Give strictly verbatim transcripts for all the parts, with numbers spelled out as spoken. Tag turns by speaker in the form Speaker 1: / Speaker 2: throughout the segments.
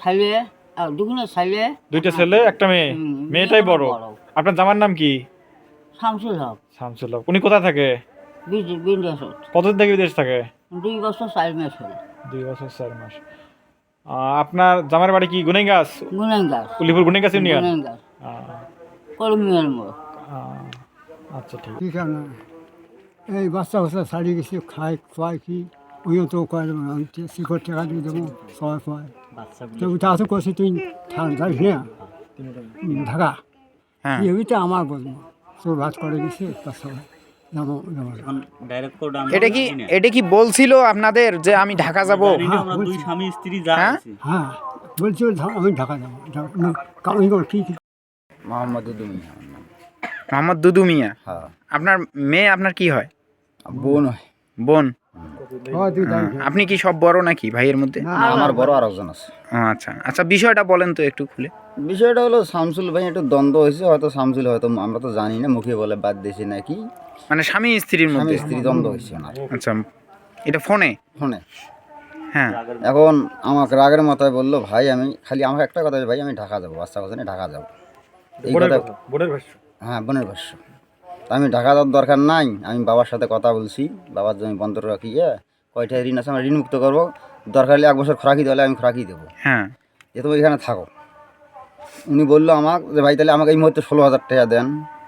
Speaker 1: ছেলে দুগুলো ছেলে
Speaker 2: দুইটা ছেলে একটা মেয়ে,
Speaker 1: হুম,
Speaker 2: মেয়েটাই বড়।
Speaker 1: বড়।
Speaker 2: আপনার জামার নাম কি?
Speaker 1: শামসুল হক
Speaker 2: শামসুল হক। উনি কোথায় থাকে?
Speaker 1: বিন্দাসত
Speaker 2: কতদিন থেকে বিদেশ থাকে?
Speaker 1: দুই বছর চার মাস হল।
Speaker 2: দুই বছর চার মাস। আহ, আপনার জামার বাড়ি কি গুনেগাছ?
Speaker 1: গুনাইন গাছ
Speaker 2: উলিপুর গুনেগাছ ইউনিয়ন।
Speaker 1: গুনাইন গাছ
Speaker 2: আহ,
Speaker 1: কলমিয়ার মোড়।
Speaker 2: আহ, আচ্ছা ঠিক।
Speaker 3: ঠিক আছে না এই বাচ্চা বাচ্চা ছাড়িয়ে গেছি খায় খোয়াই কি ওইও তো কয় শিকড় টাকা দিয়ে দেবো সবাই খোয়াই তো ওইটা আসো করছি তুই যাইস না ঢাকা
Speaker 4: হ্যাঁ
Speaker 3: ওইটা আমার বলবো তোর ভাত করে গেছে তার সবাই যাবো যাবো
Speaker 4: এটা কি এটা কি বলছিল আপনাদের যে আমি ঢাকা যাব?
Speaker 3: হ্যাঁ
Speaker 5: দুই
Speaker 3: বলছি
Speaker 5: স্বামী স্ত্রী যা
Speaker 4: হ্যাঁ?
Speaker 5: আছে।
Speaker 3: হ্যাঁ বলছি আমি ঢাকা যাবো কামিং করে কী কী
Speaker 6: মোহাম্মদ দুদু মিয়া আমার নাম।
Speaker 4: মোহাম্মদ দুদু মিয়া।
Speaker 6: হ্যাঁ
Speaker 4: আপনার মেয়ে আপনার কি হয়?
Speaker 6: বোন হয়।
Speaker 4: বোন।
Speaker 3: হয় তুই যাই
Speaker 4: আহ, আপনি কি সব বড় নাকি ভাইয়ের মধ্যে?
Speaker 3: না
Speaker 6: আমার বড় আর একজন আছে।
Speaker 4: ও, আচ্ছা আচ্ছা, বিষয়টা বলেন তো একটু খুলে।
Speaker 6: বিষয়টা হলো শামসুল ভাই একটু দ্বন্দ্ব হয়েছে, হয়তো শামসুল হয়তো আমরা তো জানি না, মুখে বলে বাদ দিয়েছে নাকি
Speaker 4: মানে স্বামী স্ত্রীর
Speaker 6: স্বামী
Speaker 4: মধ্যে?
Speaker 6: স্ত্রী দ্বন্দ্ব হয়েছে ওনার
Speaker 4: আচ্ছা, এটা ফোনে?
Speaker 6: ফোনে।
Speaker 4: হ্যাঁ।
Speaker 6: এখন আমাকে রাগের মাথায় বললো ভাই আমি খালি আমাকে একটা কথা, ভাই আমি ঢাকা যাবো, বাচ্চা কথা নিয়ে ঢাকা যাবো, এই
Speaker 2: বোনের
Speaker 6: কথা।
Speaker 2: কথা, বোনের ভাষ্য।
Speaker 6: হ্যাঁ বোনের ভাষ্য। তা আমি ঢাকা যাওয়ার দরকার নাই, আমি বাবার সাথে কথা বলছি, বাবার জমি বন্ধ রাখিয়ে কয়টা ঋণ আছে আমরা ঋণ মুক্ত করবো, দরকার হলে এক বছর খোরাকি দেওয়ালে আমি খোরাকি দেবো,
Speaker 4: হ্যাঁ।
Speaker 6: যে তুমি এখানে থাকো। উনি বললো আমাকে যে ভাই তাহলে আমাকে এই মুহূর্তে ষোলো হাজার টাকা দেন,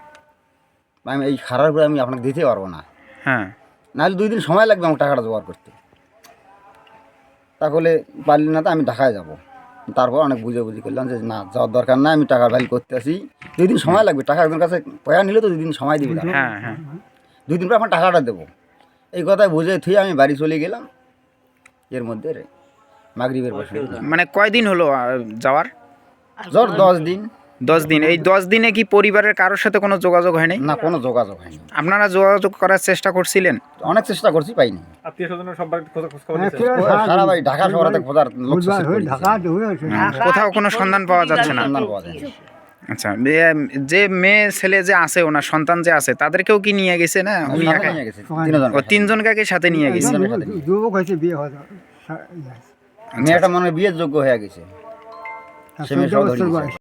Speaker 6: আমি এই খারাপ করে আমি আপনাকে দিতে পারবো না,
Speaker 4: হ্যাঁ।
Speaker 6: নাহলে দুই দিন সময় লাগবে আমার টাকাটা জোগাড় করতে। তাহলে পারলি না তো আমি ঢাকায় যাব। তারপর অনেক বুঝে বুঝি করলাম যে না যাওয়ার দরকার নাই, আমি টাকার ভ্যালু করতে আসি, দুই দিন সময় লাগবে, টাকা একজনের কাছে পয়া নিলে তো দুই দিন সময় দিবি তারা।
Speaker 4: হ্যাঁ হ্যাঁ।
Speaker 6: দুই দিন পর আমার টাকাটা দেবো, এই কথায় বুঝে থুয়ে আমি বাড়ি চলে গেলাম। এর মধ্যে রে মাগরিবের বসে
Speaker 4: মানে কয়দিন হলো আহ, যাওয়ার?
Speaker 6: জ্বর দশ দিন।
Speaker 4: দশ দিন। এই দশ দিনে কি পরিবারের কারোর সাথে কোনো যোগাযোগ হয়নি?
Speaker 6: না কোনো যোগাযোগ হয়নি।
Speaker 4: আপনারা যোগাযোগ করার চেষ্টা করছিলেন?
Speaker 6: অনেক চেষ্টা করছি, পাইনি।
Speaker 2: আত্মীয় স্বজনের সব বাড়িতে খোঁজ খোঁজ খবর
Speaker 3: হ্যাঁ,
Speaker 2: নিয়েছেন?
Speaker 3: কে-
Speaker 6: ও সারা বাড়ি ঢাকা শহরে খোঁজার লোক শেষ করে দিয়েছে।
Speaker 3: ঢাকা হয়েছে
Speaker 4: হ্যাঁ, কোথাও কোনো সন্ধান পাওয়া যাচ্ছে না?
Speaker 6: সন্ধান পাওয়া যায়নি।
Speaker 4: আচ্ছা, এ- যে মেয়ে ছেলে যে আছে, ওনার সন্তান যে আছে, তাদেরকেও কি নিয়ে গেছে না উনি
Speaker 6: সাথে
Speaker 4: একাই?
Speaker 6: নিয়ে গেছে, তিনজন।
Speaker 4: ও তিনজনকে সাথে নিয়ে গেছে।
Speaker 3: যুবক হয়েছে বিয়ে হয়ে
Speaker 6: মেয়েটা মনে হয় বিয়ের যোগ্য হয়ে গেছে, সে মেয়ে সহ ধরে গেছে।